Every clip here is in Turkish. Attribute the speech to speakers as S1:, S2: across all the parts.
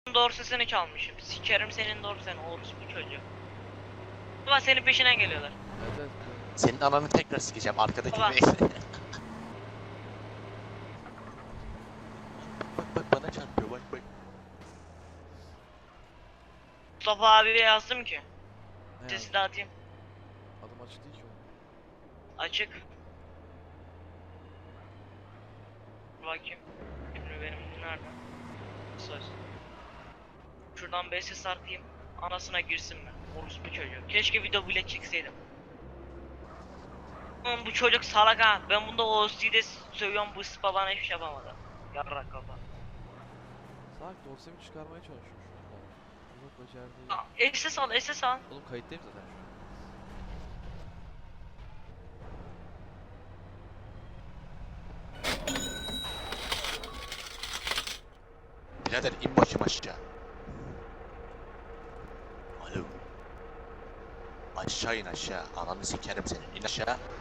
S1: Dorsesini çalmışım. Sikerim senin dorseni, orospu çocuğu. Baba senin peşinden geliyorlar.
S2: Evet, evet.
S3: Senin ananı tekrar sikeceğim arkadaki
S1: Baba.
S3: bey. Bak bana çarpıyor bak.
S1: Mustafa abiye yazdım ki.
S2: Ne
S1: Sesi
S2: yani?
S1: dağıtayım.
S2: Adım açık değil ki oğlum.
S1: Açık. Bakayım. Şimdi benim nerede? Söz. Şuradan bir ses atayım. Anasına girsin mi? Orospu çocuğu. Keşke video bile çekseydim. Oğlum bu çocuk salak ha. Ben bunda OC'de sövüyorum, bu sıpa bana hiçbir şey yapamadı. Yarrak kafa.
S2: Salak dorsemi çıkarmaya çalışıyor şu anda. Yok becerdiği.
S1: SS al, SS al.
S2: Oğlum kayıttayım zaten şu an.
S3: Birader in başım aşağı. Alo. Aşağı in aşağı. Ananı sikerim senin. İn aşağı.
S2: Salak ya.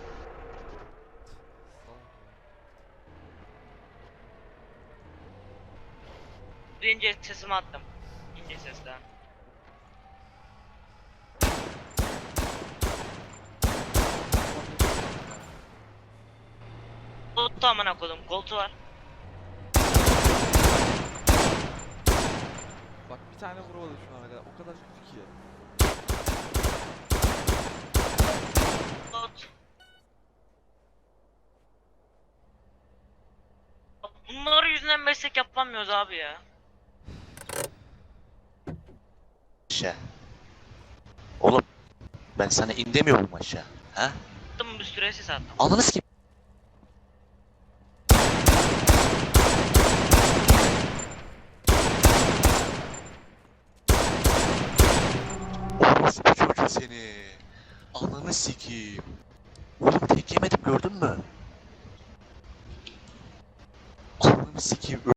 S1: Birinci sesimi attım. İkinci sesten. Koltuğu amına koydum. Koltuğu var.
S2: Bak bir tane vuramadı şu ana kadar. O kadar kötü ki.
S1: Kolt. Bunlar yüzünden meslek yapamıyoruz abi ya.
S3: Aşağı. Oğlum. Ben sana in demiyorum aşağı. Ha?
S1: Attım bir sürü ses attım.
S3: Ananı sikeyim. Orospu çocuğu seni. Ananı sikeyim. Oğlum tek yemedim gördün mü? Ananı sikeyim